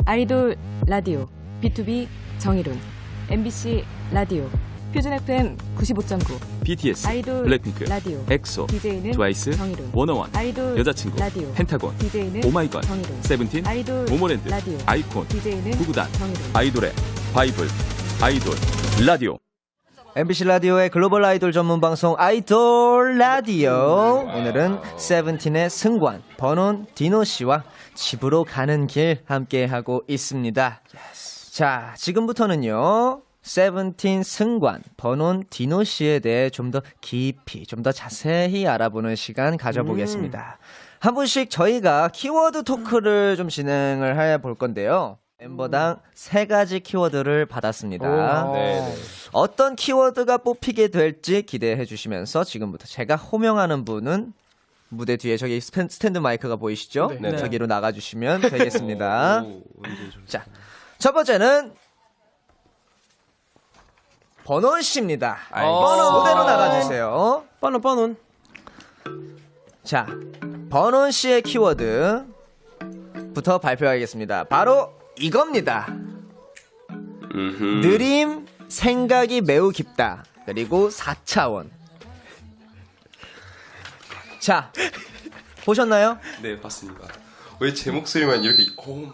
아이돌 라디오 B2B 정의론 MBC 라디오 표준 FM 95.9 BTS, 아이돌 블랙핑크, 라디오 엑소, DJ는 트와이스, 정의론 워너원, 아이돌 여자친구, 라디오 펜타곤, DJ는 오마이걸, 정의론 세븐틴, 아이돌 모모랜드, 라디오 아이콘, DJ는 구구단, 정의론 아이돌의 바이블, 아이돌 라디오. MBC 라디오의 글로벌 아이돌 전문 방송 아이돌 라디오. 오늘은 세븐틴의 승관, 버논, 디노 씨와 집으로 가는 길 함께 하고 있습니다. 자, 지금부터는요. 세븐틴 승관, 버논, 디노 씨에 대해 좀 더 깊이, 좀 더 자세히 알아보는 시간 가져보겠습니다. 한 분씩 저희가 키워드 토크를 좀 진행을 해볼 건데요. 멤버당 3가지 키워드를 받았습니다. 네. 어떤 키워드가 뽑히게 될지 기대해 주시면서 지금부터 제가 호명하는 분은 무대 뒤에 저기 스탠드 마이크가 보이시죠? 네. 저기로 나가주시면 되겠습니다. 오, 자, 첫 번째는 버논 씨입니다. 무대로 나가주세요. 빠논. 자, 버논 씨의 키워드부터 발표하겠습니다. 바로 이겁니다. 느림, 생각이 매우 깊다. 그리고 4차원. 자, 보셨나요? 네, 봤습니다. 왜 제 목소리만 이렇게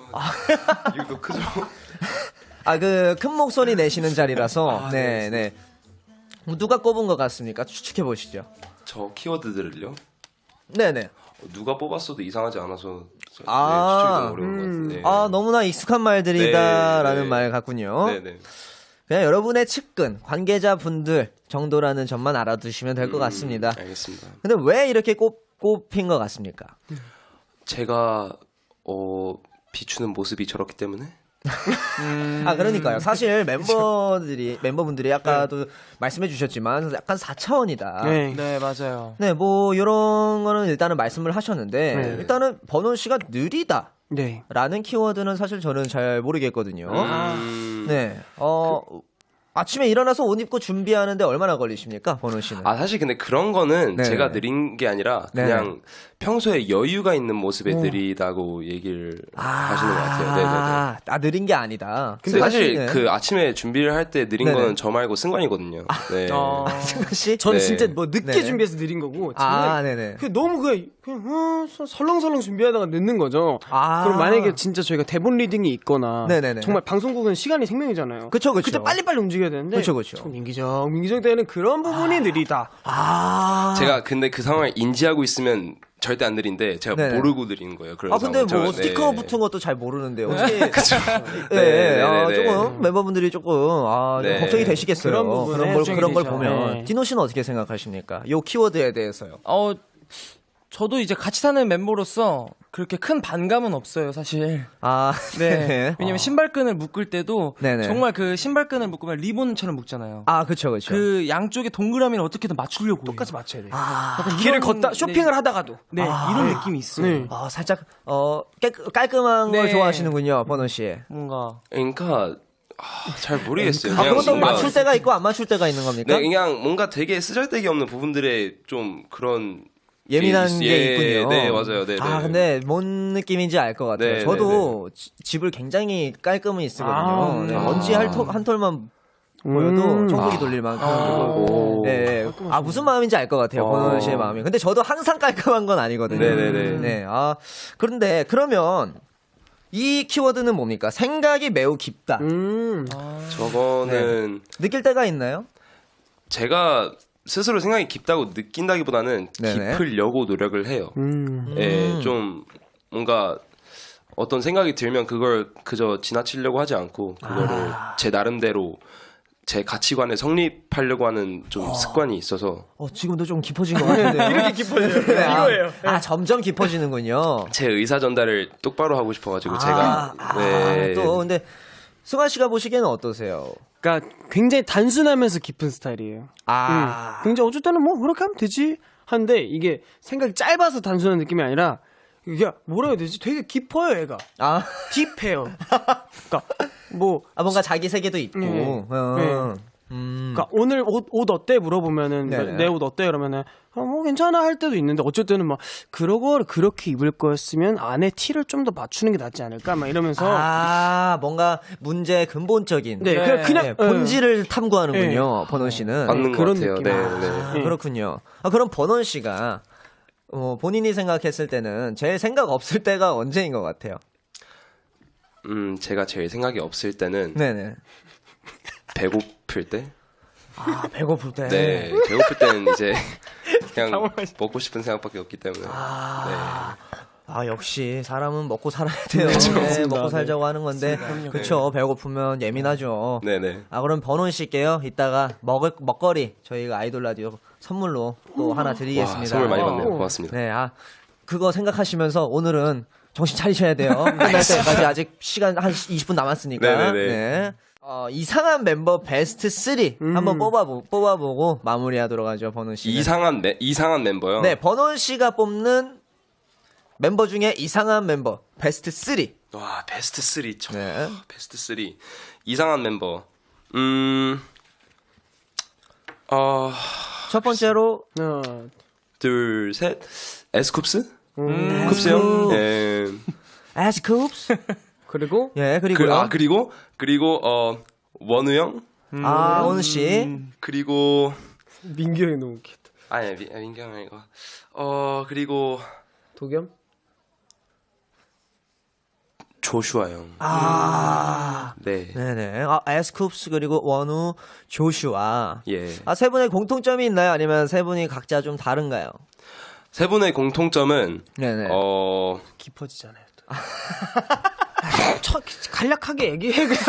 이거 크죠? 아, 그 큰 목소리 내시는 자리라서. 네. 누가 꼽은 것 같습니까? 추측해 보시죠. 저 키워드들을요? 네네. 누가 뽑았어도 이상하지 않아서 추측이 아. 너무 어려운 것 같은데. 아, 너무나 익숙한 말들이다라는 네. 말 같군요. 네네. 그냥 여러분의 측근, 관계자분들 정도라는 점만 알아두시면 될 것 같습니다. 알겠습니다. 근데 왜 이렇게 꼽힌 것 같습니까? 제가 비추는 모습이 저렇기 때문에. 아, 그러니까요. 사실 멤버분들이 아까도 말씀해 주셨지만 약간 4차원이다. 네, 맞아요. 네, 뭐 이런 거는 일단은 말씀을 하셨는데 네. 일단은 버논 씨가 느리다. 네. 라는 키워드는 사실 저는 잘 모르겠거든요. 네. 아침에 일어나서 옷 입고 준비하는데 얼마나 걸리십니까, 버논 씨는? 사실 근데 그런 거는 네네. 제가 느린 게 아니라 그냥 평소에 여유가 있는 모습에 느리다고 얘기를 하시는 것 같아요. 네네네. 느린 게 아니다. 근데 사실 네. 그 아침에 준비를 할 때 느린 네네. 거는 저 말고 승관이거든요. 네. 승관 씨? 저는 네. 진짜 뭐 늦게 네네. 준비해서 느린 거고. 저는 네네. 너무 그냥 설렁설렁 준비하다가 늦는 거죠. 그럼 만약에 진짜 저희가 대본 리딩이 있거나 네네네. 정말 방송국은 시간이 생명이잖아요. 그쵸. 그때 빨리빨리 움직여야 되는데 그쵸. 좀 민기정 때는 그런 부분이 느리다. 제가 근데 그 상황을 인지하고 있으면 절대 안 느린데 제가 네네. 모르고 느린 거예요. 그런 근데 상황은. 뭐 저- 스티커 네. 붙은 것도 잘 모르는데 어떻게? 네네네. 조금 멤버분들이 조금 좀 네. 걱정이 되시겠어요. 그런 부분에 그런 걱정이 걸 되죠. 보면 네. 디노 씨는 어떻게 생각하십니까? 요 키워드에 대해서요. 저도 이제 같이 사는 멤버로서 그렇게 큰 반감은 없어요, 사실. 네. 왜냐면 신발끈을 묶을 때도 네네. 정말 그 신발끈을 묶으면 리본처럼 묶잖아요. 그쵸. 그 양쪽에 동그라미를 어떻게든 맞추려고 똑같이 맞춰야 돼요. 약간 길을 이런- 걷다 쇼핑을 네. 하다가도. 네, 이런 느낌이 있어요. 네. 살짝 깔끔한 걸 네. 좋아하시는군요, 버논 씨. 뭔가 그러니까 잘 모르겠어요. 그것도 뭔가- 맞출 때가 있고 안 맞출 때가 있는 겁니까? 네, 그냥 뭔가 되게 쓰잘데기 없는 부분들에 좀 그런 예민한 게 게 있군요. 네, 맞아요. 네, 네. 근데 뭔 느낌인지 알 것 같아요. 네, 저도 집을 굉장히 깔끔히 쓰거든요. 네, 먼지 한 톨만 보여도 청소기 돌릴 만큼. 네. 무슨 마음인지 알 것 같아요. 버논 씨의 마음이. 근데 저도 항상 깔끔한 건 아니거든요. 네네네. 네. 그런데 그러면 이 키워드는 뭡니까? 생각이 매우 깊다. 저거는 느낄 때가 있나요? 제가 스스로 생각이 깊다고 느낀다기보다는 네네. 깊으려고 노력을 해요. 예, 좀 뭔가 어떤 생각이 들면 그걸 그저 지나치려고 하지 않고 그거를 제 나름대로 제 가치관에 성립하려고 하는 좀 습관이 있어서 지금도 좀 깊어진 것 같은데요. 이렇게 깊어져요. 네, 이거예요. 점점 깊어지는군요. 제 의사 전달을 똑바로 하고 싶어가지고 제가 네. 또 근데 승환 씨가 보시기에는 어떠세요? 그러니까 굉장히 단순하면서 깊은 스타일이에요. 굉장히 어쩔 때는 뭐 그렇게 하면 되지 하는데 이게 생각이 짧아서 단순한 느낌이 아니라 이게 뭐라 해야 되지? 되게 깊어요, 얘가. 딥해요. 그러니까 뭐 뭔가 자기 세계도 있고. 그러니까 오늘 옷 어때 물어보면은 네네. 내 옷 어때 그러면은 괜찮아 할 때도 있는데 어쩔 때는 막 그러고 그렇게 입을 거였으면 안에 티를 좀 더 맞추는 게 낫지 않을까 막 이러면서 뭔가 문제의 근본적인 네, 그냥 본질을 탐구하는군요. 버논 씨는. 맞는 것 그런 같아요. 느낌. 네. 그렇군요. 그럼 버논 씨가 본인이 생각했을 때는 제일 생각 없을 때가 언제인 것 같아요? 제가 제일 생각이 없을 때는 네네. 배고플 때. 배고플 때. 네, 배고플 때는 이제 그냥 먹고 싶은 생각밖에 없기 때문에. 역시 사람은 먹고 살아야 돼요. 네, 먹고 살자고 하는 건데, 그렇죠. 배고프면 예민하죠. 네네. 그럼 버논 씨께요. 이따가 먹거리 저희가 아이돌 라디오 선물로 또 하나 드리겠습니다. 와, 선물 많이 받네요. 고맙습니다. 네, 그거 생각하시면서 오늘은 정신 차리셔야 돼요. 끝날 때까지 아직 시간 한 20분 남았으니까. 네네네. 네. 이상한 멤버 베스트 3 한번 뽑아보고 마무리하도록 하죠, 버논 씨. 이상한 멤버요? 네, 버논 씨가 뽑는 멤버 중에 이상한 멤버 베스트 3. 와, 베스트 3. 네. 베스트 3. 이상한 멤버. 첫 번째로 둘, 셋. 에스쿱스? 쿱스요? 네. 에스쿱스. 그리고 그리고요. 그리고 원우 형? 원우 씨. 그리고 민규 형이 너무 웃겼다. 아니, 민규 형 이거. 그리고 도겸? 조슈아 형. 네. 네네. 에스쿱스 그리고 원우, 조슈아. 예. 세 분의 공통점이 있나요? 아니면 세 분이 각자 좀 다른가요? 세 분의 공통점은 네네. 깊어지잖아요. 또. 간략하게 얘기해 그냥.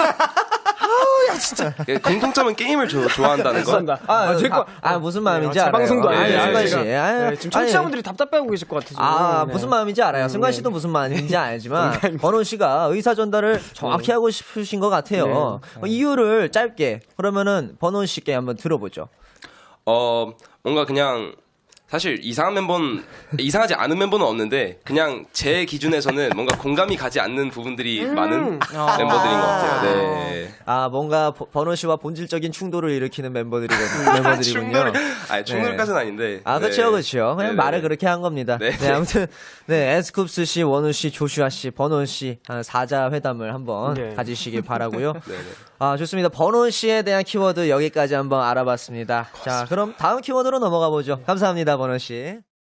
공통점은 게임을 좋아한다는 거. 무슨 마음인지 제 알아요. 방송도 아니에요. 승관 씨. 지금 청취자분들이 답답해하고 계실 것 같아서. 무슨 마음인지 알아요. 승관 씨도 무슨 마음인지 알지만 버논 씨가 의사 전달을 정확히 하고 싶으신 것 같아요. 이유를 짧게 그러면은 버논 씨께 한번 들어보죠. 뭔가 그냥 사실 이상하지 않은 멤버는 없는데 그냥 제 기준에서는 뭔가 공감이 가지 않는 부분들이 많은 멤버들인 것 같아요. 네. 뭔가 버논 씨와 본질적인 충돌을 일으키는 멤버들이군요. 충돌까지는 아닌데. 그렇죠. 그냥 네네. 말을 그렇게 한 겁니다. 네. 아무튼 에스쿱스 씨, 원우 씨, 조슈아 씨, 버논 씨 사자 회담을 한번 가지시길 바라고요. 네네. 좋습니다. 버논 씨에 대한 키워드 여기까지 한번 알아봤습니다. 자, 그럼 다음 키워드로 넘어가 보죠. 감사합니다, 버논 씨.